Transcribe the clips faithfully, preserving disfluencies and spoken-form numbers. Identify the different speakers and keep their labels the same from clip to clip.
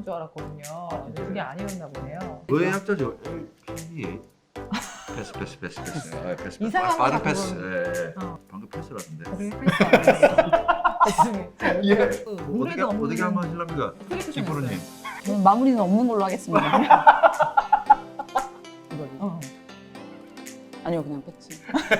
Speaker 1: 줄 알았거든요. 근데 그게 아니었나 보네요.
Speaker 2: 그의 약자죠. 에이, 패스 패스 패스 패스. 아, 패스. 패스.
Speaker 1: 이상한
Speaker 2: 빠른
Speaker 1: 거
Speaker 2: 패스.
Speaker 1: 자꾸
Speaker 2: 예, 예.
Speaker 1: 어.
Speaker 2: 방금 패스라던데.
Speaker 1: 그게 패스 아니에요. 죄송해요.
Speaker 2: 예.
Speaker 1: 그
Speaker 2: 어떻게
Speaker 1: 노래도 없는
Speaker 2: 어떻게 한번 하실랍니까?
Speaker 1: 프리쿠션
Speaker 2: 김프로님.
Speaker 1: 했어요.
Speaker 3: 저는 마무리는 없는 걸로 하겠습니다. 이거요?
Speaker 1: 어.
Speaker 3: 아니요, 그냥 패치.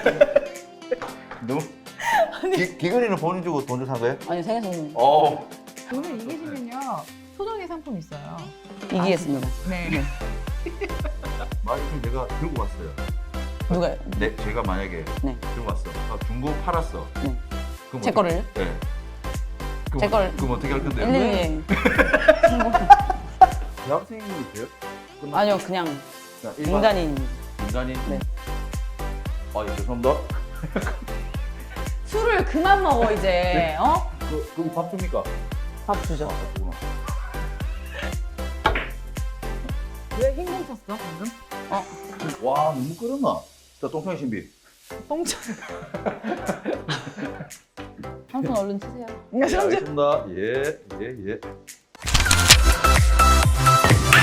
Speaker 2: 너무 기, 기근이는 본인 주고 돈 주고 산 거예요?
Speaker 3: 아니, 생일 선물.
Speaker 2: 어.
Speaker 1: 오늘 이기시면요 소정의 상품 있어요.
Speaker 3: 이기겠습니다.
Speaker 1: 네.
Speaker 3: 네.
Speaker 2: 마이크 내가 들고 왔어요.
Speaker 3: 누가요?
Speaker 2: 네, 제가 만약에
Speaker 3: 네.
Speaker 2: 들고 왔어. 아, 중고 팔았어.
Speaker 3: 네.
Speaker 2: 그럼
Speaker 3: 제
Speaker 2: 어떡-
Speaker 3: 거를요?
Speaker 2: 네. 그럼
Speaker 3: 제
Speaker 2: 어-
Speaker 3: 걸-
Speaker 2: 그럼 어떻게 할 건데요?
Speaker 3: 일일이.
Speaker 2: 대학생이세요? 끝났-
Speaker 3: 아니요, 그냥
Speaker 2: 그냥 일반
Speaker 3: 인간인입니다.
Speaker 2: 인간이.
Speaker 3: 네.
Speaker 2: 아, 예, 죄송합니다.
Speaker 1: 술을 그만 먹어 이제. 어?
Speaker 2: 그 그럼 밥 줍니까?
Speaker 3: 밥 주죠.
Speaker 2: 아, 그구나.
Speaker 1: 왜 흰공 쳤어 방금?
Speaker 2: 와, 너무 끓었나? 자, 똥통의 신비.
Speaker 1: 똥쳐.
Speaker 3: 한 손 얼른 치세요.
Speaker 2: 예, 알겠습니다. 예, 예, 예.